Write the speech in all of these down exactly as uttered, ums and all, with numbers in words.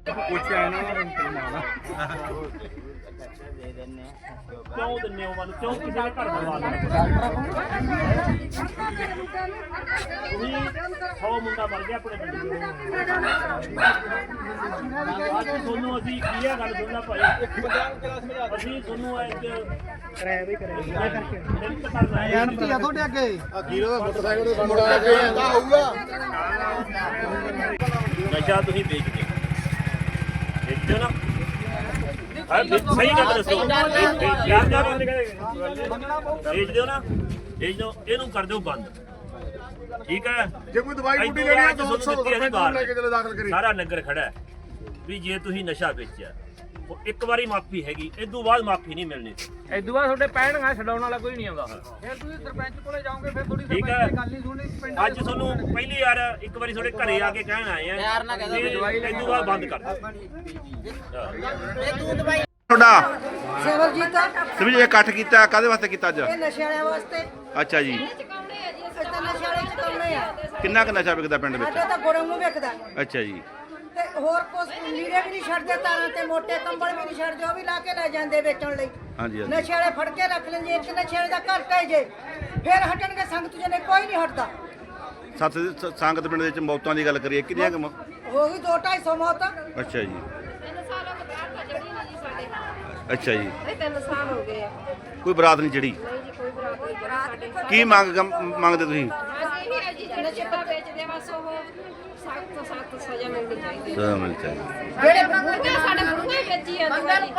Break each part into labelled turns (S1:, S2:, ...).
S1: क्यों दिन्ने हो मत क्यों किसी ने घर बनवा सौ मुंडा मर गया अपने पिंड ਅੱਜ ਤੁਹਾਨੂੰ ਅਸੀਂ ਇਹ ਗੱਲ ਸੁਣਨਾ ਭਾਈ ਅਸੀਂ ਤੁਹਾਨੂੰ ਇੱਕ ਕਿਰਾਇਆ ਵੀ ਕਰਾਂਗੇ ਕਰਕੇ ਲਿੰਕ ਕਰਨਾ ਹੈ ਯਾਰ ਕੀ ਆ ਤੁਹਾਡੇ ਅੱਗੇ ਆ ਜੀਰੋ ਦਾ ਮੋਟਰਸਾਈਕਲ ਦੇ ਮੁੰਡਾ ਅੱਗੇ ਆਂਦਾ ਹੋਊਗਾ ਨਸ਼ਾ ਤੁਸੀਂ ਵੇਚਦੇ ਵੇਚਦੇ ਨਾ ਸਹੀ ਗੱਲ ਦੱਸੋ ਯਾਰ ਯਾਰ ਵੇਚ ਦਿਓ ਨਾ ਵੇਚ ਦਿਓ ਇਹਨੂੰ ਕਰ ਦਿਓ ਬੰਦ ਠੀਕ ਹੈ
S2: ਜੇ ਕੋਈ ਦਵਾਈ ਬੂਟੀ ਲੈਣੀ ਹੈ ਤਾਂ ਸੌ ਰੁਪਏ ਲੈ ਕੇ ਚਲੋ ਦਾਖਲ ਕਰੀ
S1: ਸਾਰਾ ਨਗਰ ਖੜਾ ਹੈ ਵੀ ਜੇ ਤੁਸੀਂ ਨਸ਼ਾ ਵੇਚਿਆ ਉਹ ਇੱਕ ਵਾਰੀ ਮਾਫੀ ਹੈਗੀ ਇਸ ਤੋਂ ਬਾਅਦ ਮਾਫੀ ਨਹੀਂ ਮਿਲਣੀ
S3: ਇਸ ਤੋਂ ਬਾਅਦ ਤੁਹਾਡੇ ਪੈਣਗਾ ਛਡਾਉਣ ਵਾਲਾ ਕੋਈ ਨਹੀਂ ਆਉਂਦਾ ਫਿਰ ਤੁਸੀਂ ਸਰਪੰਚ ਕੋਲੇ ਜਾਓਗੇ ਫਿਰ ਥੋੜੀ
S1: ਠੀਕ ਹੈ ਗੱਲ ਨਹੀਂ ਸੁਣਨੀ ਪਿੰਡ ਅੱਜ ਤੁਹਾਨੂੰ ਪਹਿਲੀ ਵਾਰ ਇੱਕ ਵਾਰੀ ਤੁਹਾਡੇ ਘਰੇ ਆ ਕੇ ਕਹਿਣ ਆਏ ਆ ਯਾਰ ਨਾ ਕਹਿੰਦਾ ਦਵਾਈ ਇਸ ਤੋਂ ਬਾਅਦ ਬੰਦ ਕਰ ਇਹ ਤੂੰ ਦਵਾਈ
S4: ਤੁਹਾਡਾ
S5: ਸੇਵਰਜੀਤ
S4: ਤੁਸੀਂ ਇਹ ਇਕੱਠ ਕੀਤਾ ਕਾਹਦੇ ਵਾਸਤੇ ਕੀਤਾ ਅੱਜ
S5: ਇਹ ਨਸ਼ੇ ਵਾਲਿਆਂ ਵਾਸਤੇ
S4: ਅੱਛਾ ਜੀ
S5: ਅਸੀਂ ਤਾਂ ਨਸ਼ੇ ਵਾਲੇ ਚਕਾਉਣੇ ਆ
S4: ਕਿੰਨਾ ਕੁ ਨਸ਼ਾ ਵਿਕਦਾ ਪਿੰਡ ਵਿੱਚ
S5: ਸਾਡਾ ਤਾਂ ਗੋੜਮ ਨੂੰ ਵਿਕਦਾ
S4: ਅੱਛਾ ਜੀ
S5: ਤੇ ਹੋਰ ਕੁਝ ਲੀੜੇ ਵੀ ਨਹੀਂ ਛੱਡਦੇ ਤਾਰਾਂ ਤੇ ਮੋਟੇ ਕੰਬਲ ਵੀ ਨਹੀਂ ਛੱਡਦੇ ਉਹ ਵੀ ਲਾ ਕੇ ਲੈ ਜਾਂਦੇ ਵੇਚਣ ਲਈ
S4: ਹਾਂਜੀ ਹਾਂਜੀ
S5: ਨਸ਼ੇ ਵਾਲੇ ਫੜ ਕੇ ਰੱਖ ਲੈਂਦੇ ਇੱਕ ਨਸ਼ੇ ਵਾਲੇ ਦਾ ਘਰ ਟਹਿ ਜੇ ਫਿਰ ਹਟਣਗੇ ਸੰਗਤ ਜਨੇ ਕੋਈ ਨਹੀਂ ਹਟਦਾ
S4: ਸੱਤ ਸੰਗਤ ਪਿੰਡ ਵਿੱਚ ਮੌਤਾਂ ਦੀ ਗੱਲ ਕਰੀਏ ਕਿੰਨੀਆਂ ਕੁ ਮੌ-
S5: ਹੋ ਗਈ ਦੋ ਢਾਈ ਸੌ ਮੌਤ
S4: ਅੱਛਾ ਜੀ
S6: ਤਿੰਨ ਸਾਲ ਹੋ ਗਏ ਬਾਹਰ ਤਾਂ ਜੜੀ ਨਹੀਂ ਜੀ ਸਾਡੇ
S4: ਅੱਛਾ ਜੀ
S6: ਇਹ ਤਿੰਨ ਸਾਲ ਹੋ ਗਏ ਆ
S4: ਕੋਈ ਬਰਾਤ ਨਹੀਂ ਚੜੀ
S6: ਨਹੀਂ ਜੀ ਕੋਈ ਬਰਾਤ ਨਹੀਂ ਬਰਾਤ
S4: ਕੀ ਮੰਗ ਮੰਗਦੇ ਤੁਸੀਂ
S6: ਅਸੀਂ ਇਹ ਜੀ ਜਿਹੜੇ ਚਿੱਟਾ ਵੇਚਦੇ ਬਸ ਉਹ ਸਖਤ ਤੋਂ ਸਖਤ ਸਜ਼ਾ ਮਿਲਣੀ ਚਾਹੀਦੀ ਹੈ
S4: ਸਜ਼ਾ ਮਿਲਣੀ ਚਾਹੀਦੀ
S6: ਜਿਹੜੇ ਬੁੜੀਆਂ ਸਾਡੇ ਬੁੜੀਆਂ ਵੇਚੀ ਜਾਂਦੀਆਂ ਜੀ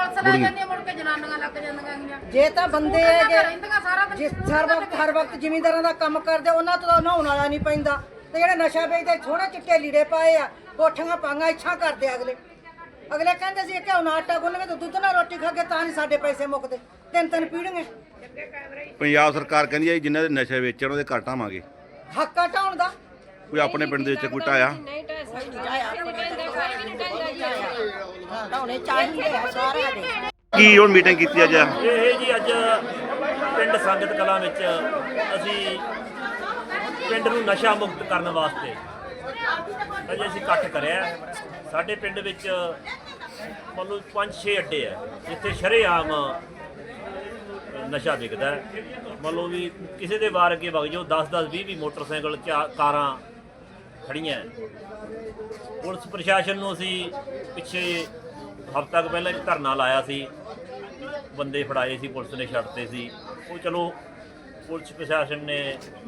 S5: ਜੇ ਤਾਂ ਬੰਦੇ ਹੈਗੇ ਜਿਸ ਹਰ ਵਕਤ ਹਰ ਵਕਤ ਜ਼ਿਮੀਂਦਾਰਾਂ ਦਾ ਕੰਮ ਕਰਦੇ ਉਹਨਾਂ ਤੋਂ ਤਾਂ ਨਹਾਉਣ ਵਾਲਾ ਨਹੀਂ ਪੈਂਦਾ ਤੇ ਜਿਹੜੇ ਨਸ਼ਾ ਵੇਚਦੇ ਸੋਹਣੇ ਚਿੱਟੇ ਲੀੜੇ ਪਾਏ ਆ ਕੋਠੀਆਂ ਪਾਂਗਾ ਇੱਛਾ ਕਰਦੇ ਅਗਲੇ ਅਗਲੇ ਕਹਿੰਦੇ ਸੀ ਕਿ ਹੁਣ ਆਟਾ ਗੁੰਨਗੇ ਤਾਂ ਦੁੱਧ ਨਾਲ ਰੋਟੀ ਖਾ ਕੇ ਤਾਂ ਨਹੀਂ ਸਾਡੇ ਪੈਸੇ ਮੁੱਕਦੇ ਤਿੰਨ ਤਿੰਨ ਪੀੜੀਆਂ
S4: ਪੰਜਾਬ ਸਰਕਾਰ ਕਹਿੰਦੀ ਹੈ ਜਿਨ੍ਹਾਂ ਦੇ ਨਸ਼ਾ ਵੇਚਣ ਉਹਦੇ ਘਰ ਢਾਵਾਂਗੇ
S5: ਹੱਕਾ ਢਾਉਣ ਦਾ
S4: ਕੋਈ ਆਪਣੇ ਪਿੰਡ ਦੇ ਵਿੱਚ ਕੋਈ ਢਾਇਆ
S6: ਨਹੀਂ ਢਾਹ ਸਕਦਾ ਕੋਈ ਵੀ ਨਹੀਂ ਢਾਹੀਦਾ ਜੀ
S5: ਢਾਉਣੇ ਚਾਹੀਦੇ ਆ ਸਾਰਿਆਂ ਦੇ
S4: ਕੀ ਹੁਣ ਮੀਟਿੰਗ ਕੀਤੀ ਅੱਜ
S1: ਇਹ ਜੀ ਅੱਜ ਪਿੰਡ ਸੰਗਤ ਕਲਾਂ ਵਿੱਚ ਅਸੀਂ ਪਿੰਡ ਨੂੰ ਨਸ਼ਾ ਮੁਕਤ ਕਰਨ ਵਾਸਤੇ ਅੱਜ ਅਸੀਂ ਇਕੱਠ ਕਰਿਆ ਸਾਡੇ ਪਿੰਡ ਵਿੱਚ ਮੰਨ ਲਓ ਪੰਜ ਛੇ ਅੱਡੇ ਆ ਜਿੱਥੇ ਸ਼ਰੇਆਮ ਨਸ਼ਾ ਵਿਕਦਾ ਹੈ ਮੰਨ ਲਓ ਵੀ ਕਿਸੇ ਦੇ ਵਾਰ ਅੱਗੇ ਵਗ ਜਾਓ ਦਸ ਦਸ ਵੀਹ ਵੀਹ ਮੋਟਰਸਾਈਕਲ ਚਾ ਕਾਰਾਂ ਖੜੀਆਂ ਪੁਲਿਸ ਪ੍ਰਸ਼ਾਸਨ ਨੂੰ ਅਸੀਂ ਪਿੱਛੇ ਹਫ਼ਤਾ ਕੁ ਪਹਿਲਾਂ ਇੱਕ ਧਰਨਾ ਲਾਇਆ ਸੀ ਬੰਦੇ ਫੜਾਏ ਸੀ ਪੁਲਿਸ ਨੇ ਛੱਡਤੇ ਸੀ ਉਹ ਚਲੋ ਪੁਲਿਸ ਪ੍ਰਸ਼ਾਸਨ ਨੇ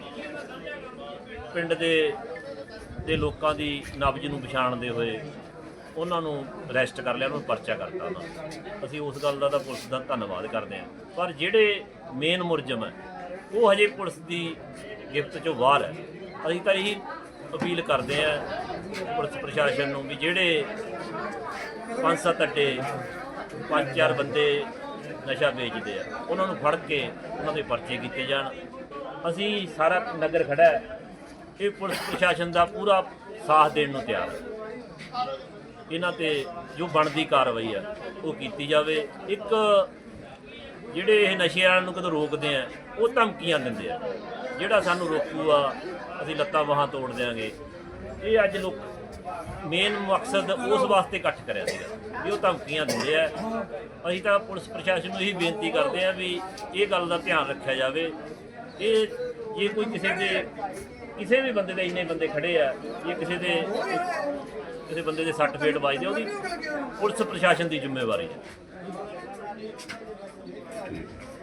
S1: ਪਿੰਡ ਦੇ ਦੇ ਲੋਕਾਂ ਦੀ ਨਬਜ਼ ਨੂੰ ਪਛਾਣਦੇ ਹੋਏ ਉਹਨਾਂ ਨੂੰ ਅਰੈਸਟ ਕਰ ਲਿਆ ਉਹਨਾਂ ਨੂੰ ਪਰਚਾ ਕਰਤਾ ਉਹਨਾਂ ਅਸੀਂ ਉਸ ਗੱਲ ਦਾ ਤਾਂ ਪੁਲਿਸ ਦਾ ਧੰਨਵਾਦ ਕਰਦੇ ਹਾਂ ਪਰ ਜਿਹੜੇ ਮੇਨ ਮੁਲਜ਼ਮ ਹੈ ਉਹ ਹਜੇ ਪੁਲਿਸ ਦੀ ਗਿਫਤ 'ਚੋਂ ਬਾਹਰ ਹੈ ਅਸੀਂ ਤਾਂ ਇਹੀ ਅਪੀਲ ਕਰਦੇ ਹਾਂ ਪੁਲਿਸ ਪ੍ਰਸ਼ਾਸਨ ਨੂੰ ਵੀ ਜਿਹੜੇ ਪੰਜ ਸੱਤ ਅੱਡੇ ਪੰਜ ਚਾਰ ਬੰਦੇ ਨਸ਼ਾ ਵੇਚਦੇ ਆ ਉਹਨਾਂ ਨੂੰ ਫੜ ਕੇ ਉਹਨਾਂ ਦੇ ਪਰਚੇ ਕੀਤੇ ਜਾਣ ਅਸੀਂ ਸਾਰਾ ਨਗਰ ਖੜਾ ਹੈ ਇਹ ਪੁਲਿਸ ਪ੍ਰਸ਼ਾਸਨ ਦਾ ਪੂਰਾ ਸਾਥ ਦੇਣ ਨੂੰ ਤਿਆਰ ਹੈ ਇਹਨਾਂ ਤੇ ਜੋ ਬਣਦੀ ਕਾਰਵਾਈ ਆ ਉਹ ਕੀਤੀ ਜਾਵੇ ਇੱਕ ਜਿਹੜੇ ਇਹ ਨਸ਼ੇ ਵਾਲਿਆਂ ਨੂੰ ਕਦੋਂ ਰੋਕਦੇ ਆ ਉਹ ਧਮਕੀਆਂ ਦਿੰਦੇ ਆ ਜਿਹੜਾ ਸਾਨੂੰ ਰੋਕੂਗਾ ਅਸੀਂ ਲੱਤਾਂ ਬਾਹਾਂ ਤੋੜ ਦਿਆਂਗੇ ਇਹ ਅੱਜ ਲੋਕ ਮੇਨ ਮਕਸਦ ਉਸ ਵਾਸਤੇ ਇਕੱਠ ਕਰਿਆ ਸੀਗਾ ਵੀ ਉਹ ਧਮਕੀਆਂ ਦਿੰਦੇ ਆ ਅਸੀਂ ਤਾਂ ਪੁਲਿਸ ਪ੍ਰਸ਼ਾਸਨ ਨੂੰ ਇਹੀ ਬੇਨਤੀ ਕਰਦੇ ਆ ਵੀ ਇਹ ਗੱਲ ਦਾ ਧਿਆਨ ਰੱਖਿਆ ਜਾਵੇ ਇਹ ਜੇ ਕੋਈ ਕਿਸੇ ਦੇ ਕਿਸੇ ਵੀ ਬੰਦੇ ਦੇ ਇੰਨੇ ਬੰਦੇ ਖੜੇ ਆ ਜੇ ਕਿਸੇ ਦੇ ਕਿਸੇ ਬੰਦੇ ਦੇ ਸੱਟ ਫੇਟ ਵੱਜਦੇ ਉਹਦੀ ਪੁਲਿਸ ਪ੍ਰਸ਼ਾਸਨ ਦੀ ਜ਼ਿੰਮੇਵਾਰੀ ਹੈ।